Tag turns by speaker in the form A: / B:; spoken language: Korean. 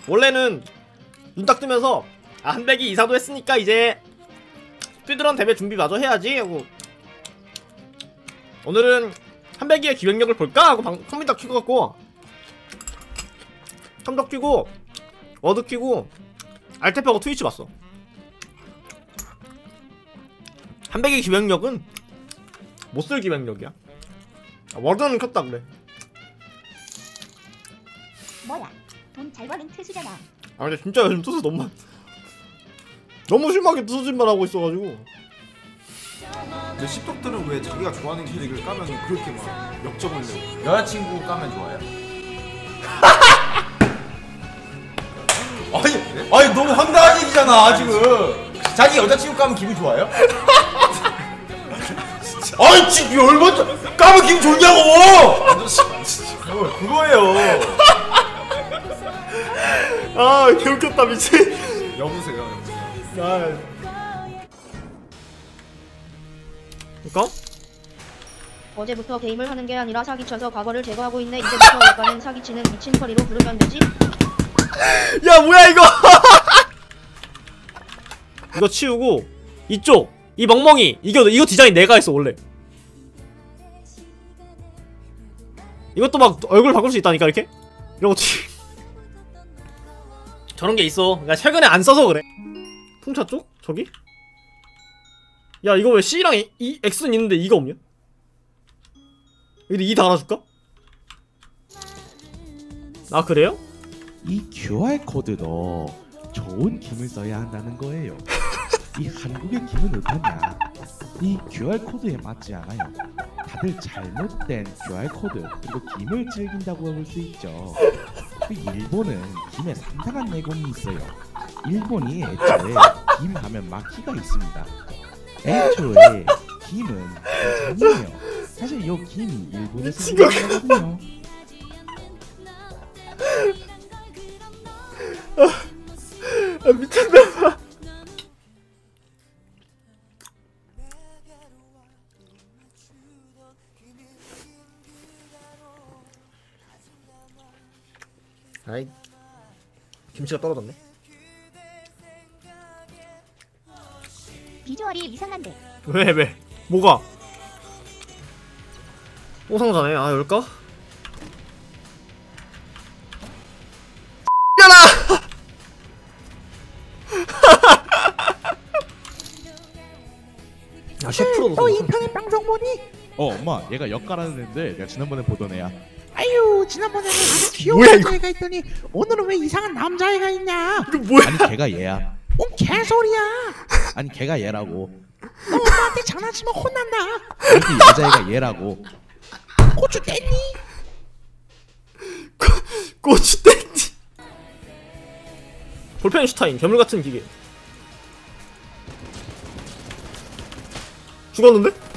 A: 원래는 눈 딱 뜨면서 아 한백이 이사도 했으니까 이제 스피드런 대회 준비 마저 해야지 하고 오늘은 한백이의 기획력을 볼까 하고 컴퓨터 켜갖고 컴퓨터 켜고 워드 켜고 알탭하고 트위치 봤어. 한백의 기획력은 못쓸 기획력이야. 워드는 켰다 그래.
B: 뭐야? 돈 잘 버는 투수잖아.
A: 아 근데 진짜 요즘 투수 너무 심하게 투수진만 하고 있어가지고.
C: 근데 씹덕들은 왜 자기가 좋아하는 캐릭을 까면 그렇게 막 역적을내고
D: 여자친구 까면 좋아요? 아니 너무 황당한 얘기잖아 지금. 자기 여자친구 까면 기분 좋아요? 아니 지금 열받아. 까면 기분 좋냐고. 그거예요.
A: 아 개웃겼다 미친.
C: 여보세요.
A: 아 그니까?
E: 어제부터 게임을 하는 게 아니라 사기쳐서 과거를 제거하고 있네. 이제부터 오빠는 사기치는 미친 커리로 부르면 되지?
A: 야 뭐야 이거. 이거 치우고 이쪽 이 멍멍이 이거 디자인 내가 했어 원래. 이것도 막 얼굴 바꿀 수 있다니까 이렇게? 이런 거 저런 게 있어. 그러니까 최근에 안 써서 그래. 풍차 쪽? 저기? 야 이거 왜 C랑 X는 있는데 E가 없냐? 여기 E 달아줄까? 아 그래요?
F: 이 QR 코드도 좋은 김을 써야 한다는 거예요. 이 한국의 김은 어떠냐? 이 QR 코드에 맞지 않아요. 다들 잘못된 QR 코드 그리고 김을 즐긴다고 볼 수 있죠. 일본은 김에 상당한 내공이 있어요. 일본이 애초에 김 하면 마키가 있습니다. 애초에 김은 장이에요. 사실 이 김이 일본에서 유명하거든요.
A: 아 미쳤나봐. 아이 김치가 떨어졌네.
B: 비주얼이 이상한데.
A: 왜? 뭐가? 또 상자네. 아 열까? 야라! 야 셰프로도
F: 너 인터넷 방송 보니? 엄마 얘가 역가라는 애인데 내가 지난번에 보던 애야. 아유 지난번에는 아주 귀여운
A: 뭐야, 이거?
F: 남자애가 있더니 오늘은 왜 이상한 남자애가 있냐?
A: 이거 뭐야?
F: 아니 걔가 얘야. 뭔 개소리야? 아니 걔가 얘라고. 너 엄마한테 장난치면 혼난다. 아니 여자애가 얘라고. 고추 뗐니?
A: 고추 땡지. 볼펜슈타인 괴물같은 기계. 죽었는데?